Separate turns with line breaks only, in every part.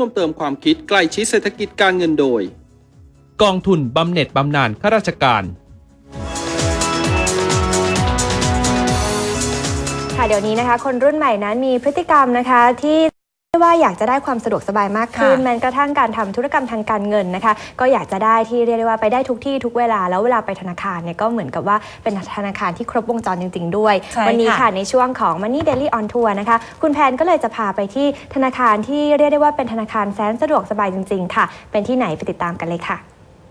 วมเติมความคิดใกล้ชิดเศรษฐกิจการเงินโดย
กองทุนบำเหน็จบำนาญข้าราชการ
ค่ะเดี๋ยวนี้นะคะคนรุ่นใหม่นั้นมีพฤติกรรมนะคะที่ว่าอยากจะได้ความสะดวกสบายมากขึ้นแม้กระทั่งการทำธุรกรรมทางการเงินนะคะก็อยากจะได้ที่เรียกได้ว่าไปได้ทุกที่ทุกเวลาแล้วเวลาไปธนาคารเนี่ยก็เหมือนกับว่าเป็นธนาคารที่ครบวงจรจริงๆด้วยวันนี้ค่ะในช่วงของ Money Daily on Tour นะคะคุณแพนก็เลยจะพาไปที่ธนาคารที่เรียกได้ว่าเป็นธนาคารแสนสะดวกสบายจริงๆค่ะเป็นที่ไหนไปติดตามกันเลยค่ะ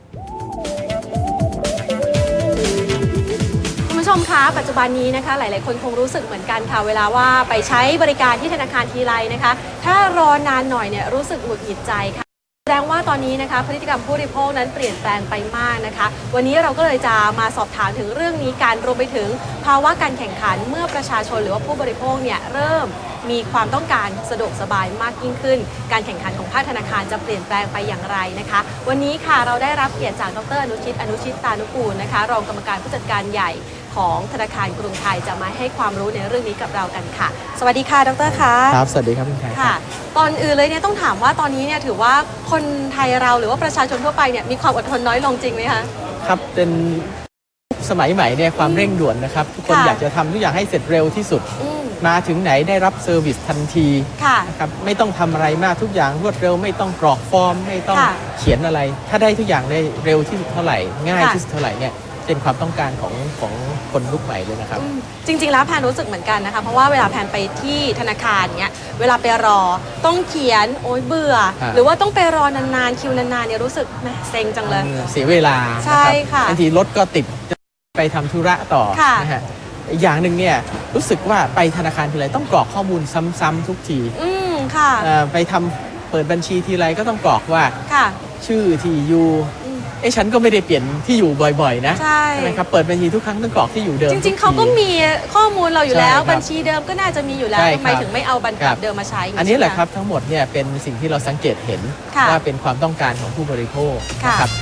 คุณผู้ชมคะปัจจุบันนี้นะคะหลายๆคนคงรู้สึกเหมือนกันค่ะเวลาว่าไปใช้บริการที่ธนาคารทีไรนะคะถ้ารอนานหน่อยเนี่ยรู้สึกหงุดหงิดใจค่ะแสดงว่าตอนนี้นะคะพฤติกรรมผู้บริโภคนั้นเปลี่ยนแปลงไปมากนะคะวันนี้เราก็เลยจะมาสอบถามถึงเรื่องนี้การรวมไปถึงภาวะการแข่งขันเมื่อประชาชนหรือว่าผู้บริโภคเนี่ยเริ่มมีความต้องการสะดวกสบายมากยิ่งขึ้นการแข่งขันของภาคธนาคารจะเปลี่ยนแปลงไปอย่างไรนะคะวันนี้ค่ะเราได้รับเกียรติจากดร.อนุชิตตานุกูลนะคะรองกรรมการผู้จัดการใหญ่ของธนาคารกรุงไทยจะมาให้ความรู้ในเรื่องนี้กับเรากันค่ะสวัสดีค่ะดร.คะ
ครับสวัสดีครับคุณแพร
ค่ะตอนอื่นเลยเนี่ยต้องถามว่าตอนนี้เนี่ยถือว่าคนไทยเราหรือว่าประชาชนทั่วไปเนี่ยมีความอดทนน้อยลงจริงไหมคะ
ครับเป็นสมัยใหม่เนี่ยความเร่งด่วนนะครับทุกคนอยากจะทำทุกอย่างให้เสร็จเร็วที่สุดมาถึงไหนได้รับเซอร์วิสทันทีนะครับไม่ต้องทำอะไรมากทุกอย่างรวดเร็วไม่ต้องกรอกฟอร์มไม่ต้องเขียนอะไรถ้าได้ทุกอย่างได้เร็วที่สุดเท่าไหร่ง่ายที่สุดเท่าไหร่เนี่ยเป็นความต้องการของคนยุคใหม่เลยนะครับ
จริงๆแล้วแพนรู้สึกเหมือนกันนะคะเพราะว่าเวลาแพนไปที่ธนาคารเนี้ยเวลาไปรอต้องเขียนโอ๊ยเบื่อหรือว่าต้องไปรอนานๆคิวนานๆเนี่ยรู้สึกแหมเซ็งจังเลย
เสียเวลา
ใช่ค่ะ
บางทีรถก็ติดไปทำธุระต่อนะฮะอีกอย่างหนึ่งเนี่ยรู้สึกว่าไปธนาคารทีไรต้องกรอกข้อมูลซ้ำๆทุกที
ค่ะ
ไปทำเปิดบัญชีทีไรก็ต้องกรอกว่าชื่อที่อยู่ฉันก็ไม่ได้เปลี่ยนที่อยู่บ่อยๆนะ
ใช่
ไหมครับเปิดบัญชีทุกครั้งต้องกรอกที่อยู่เดิม
จริงๆเขาก็มีข้อมูลเราอยู่แล้วบัญชีเดิมก็น่าจะมีอยู่แล้วทำไมถึงไม่เอาบัญชีเดิมมาใช้
อันนี้แหละครับทั้งหมดเนี่ยเป็นสิ่งที่เราสังเกตเห็นว่าเป็นความต้องการของผู้บริโภคนะครับ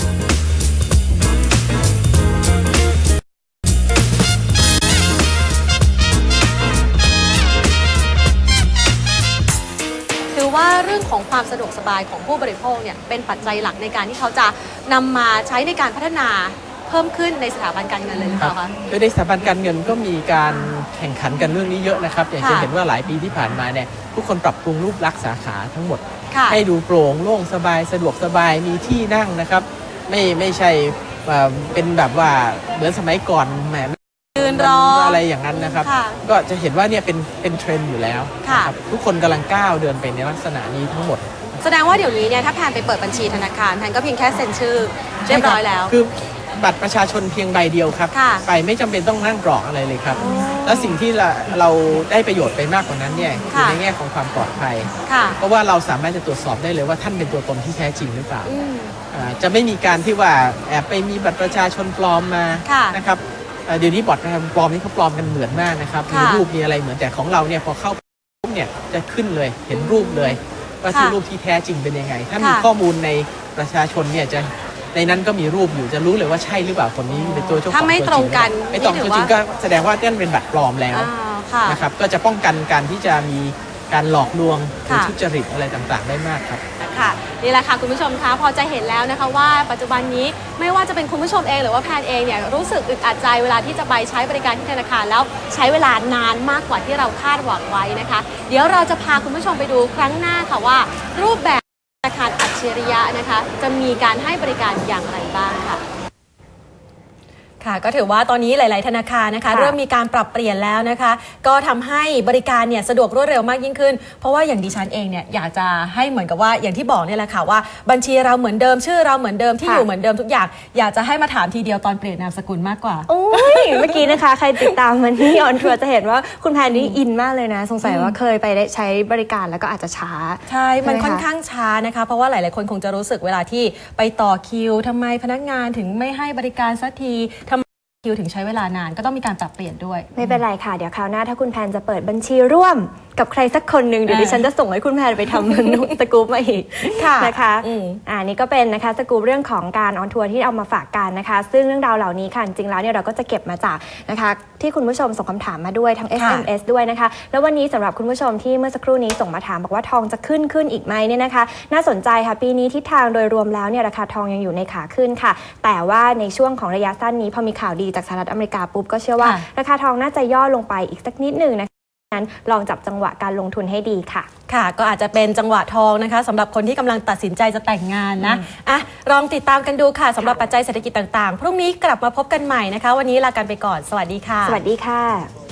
ว่าเรื่องของความสะดวกสบายของผู้บริโภคเนี่ยเป็นปัจจัยหลักในการที่เขาจะนำมาใช้ในการพัฒนาเพิ่มขึ้นในสถาบันการเงินเลยหรือเปล่าคะ
โดยในสถาบันการเงินก็มีการแข่งขันกันเรื่องนี้เยอะนะครับอย่างจะเห็นว่าหลายปีที่ผ่านมาเนี่ยทุกคนปรับปรุงรูปลักษณ์สาขาทั้งหมดให้ดูโปร่งโล่งสบายสะดวกสบายมีที่นั่งนะครับไม่ใช่เป็นแบบว่าเหมือนสมัยก่อนแหม
ยืนรอ
อะไรอย่างนั้นนะครับก็จะเห็นว่าเนี่ยเป็นเทรนด์อยู่แล้วทุกคนกำลังก้าวเดินไปในลักษณะนี้ทั้งหมด
แสดงว่าเดี๋ยวนี้เนี่ยถ้าแพนไปเปิดบัญชีธนาคารแพนก็เพียงแค่เซ็นชื่อเรียบร้อยแล้ว
คือบัตรประชาชนเพียงใบเดียวครับไปไม่จำเป็นต้องนั่งกรอกอะไรเลยครับแล้วสิ่งที่เราได้ประโยชน์ไปมากกว่านั้นเนี่ยคือในแง่ของความปลอดภัยเพราะว่าเราสามารถจะตรวจสอบได้เลยว่าท่านเป็นตัวตนที่แท้จริงหรือเปล่าจะไม่มีการที่ว่าแอบไปมีบัตรประชาชนปลอมมานะครับเดี๋ยวนี้บอทปลอมนี่เขาปลอมกันเหมือนมากนะครับมีรูปมีอะไรเหมือนแต่ของเราเนี่ยพอเข้าปุ๊บเนี่ยจะขึ้นเลยเห็นรูปเลยว่าที่รูปที่แท้จริงเป็นยังไงถ้ามีข้อมูลในประชาชนเนี่ยจะในนั้นก็มีรูปอยู่จะรู้เลยว่าใช่หรือเปล่าคนนี้เป็นตัวเจ้าของ
ถ้าไม่ตรงกัน
ไม่ตรงจริงก็แสดงว่านั่นเป็นบัตรปลอมแล้วนะครับก็จะป้องกันการที่จะมีการหลอกลวงหรือทุจริตอะไรต่างๆได้มากครับ
ค่ะนี่แหละค่ะคุณผู้ชมคะพอจะเห็นแล้วนะคะว่าปัจจุบันนี้ไม่ว่าจะเป็นคุณผู้ชมเองหรือว่าแพนเองเนี่ยรู้สึกอึดอัดใจเวลาที่จะไปใช้บริการที่ธนาคารแล้วใช้เวลานานมากกว่าที่เราคาดหวังไว้นะคะเดี๋ยวเราจะพาคุณผู้ชมไปดูครั้งหน้าค่ะว่ารูปแบบธนาคารอัจฉริยะนะคะจะมีการให้บริการอย่างไรบ้างค่ะค่ะก็ถือว่าตอนนี้หลายๆธนาคารนะคะเริ่มมีการปรับเปลี่ยนแล้วนะคะก็ทำให้บริการเนี่ยสะดวกรวดเร็วมากยิ่งขึ้นเพราะว่าอย่างดิฉันเองเนี่ยอยากจะให้เหมือนกับว่าอย่างที่บอกเนี่ยแหละค่ะว่าบัญชีเราเหมือนเดิมชื่อเราเหมือนเดิมที่อยู่เหมือนเดิมทุกอย่างอยากจะให้มาถามทีเดียวตอนเปลี่ยนนามสกุลมากกว่า
โอ้ยเมื่อกี้นะคะใครติดตามมันที่ออนทัวร์จะเห็นว่าคุณแพนนี่อินมากเลยนะสงสัยว่าเคยไปได้ใช้บริการแล้วก็อาจจะช้า
ใช่มันค่อนข้างช้านะคะเพราะว่าหลายๆคนคงจะรู้สึกเวลาที่ไปต่อคิวทำไมพนักงานถึงไม่ให้บริการสักทีคิวถึงใช้เวลานานก็ต้องมีการปรับเปลี่ยนด้วย
ไม่เป็นไรค่ะเดี๋ยวคราวหน้าถ้าคุณแพนจะเปิดบัญชีร่วมกับใครสักคนหนึ่งเดี๋ยวดิฉันจะส่งให้คุณแพนไปทำสกู๊ปมาอีกนะคะนี่ก็เป็นนะคะสกู๊ปเรื่องของการออนทัวร์ที่เอามาฝากกันนะคะซึ่งเรื่องราวเหล่านี้ค่ะจริงแล้วเนี่ยเราก็จะเก็บมาจากนะคะที่คุณผู้ชมส่งคำถามมาด้วยทั้ง SMS ด้วยนะคะแล้ววันนี้สำหรับคุณผู้ชมที่เมื่อสักครู่นี้ส่งมาถามบอกว่าทองจะขึ้นอีกไหมเนี่ยนะคะน่าสนใจค่ะปีนี้ทิศทางโดยรวมแล้วเนี่ยราคาทองยังอยู่ในขาขึ้นค่ะแต่ว่าในช่วงของระยะสั้นนี้พอมีข่าวดีจากสหรัฐอเมริกาปุ๊บก็เชื่อว่าราคาทองน่าจะย่อลงไปอีกสักนิดหนึ่งนะคะนั้นลองจับจังหวะการลงทุนให้ดีค่ะ
ค่ะก็อาจจะเป็นจังหวะทองนะคะสำหรับคนที่กำลังตัดสินใจจะแต่งงานนะลองติดตามกันดูค่ะสำหรับปัจจัยเศรษฐกิจต่างๆพรุ่งนี้กลับมาพบกันใหม่นะคะวันนี้ลากันไปก่อนสวัสดีค่ะ
สวัสดีค่ะ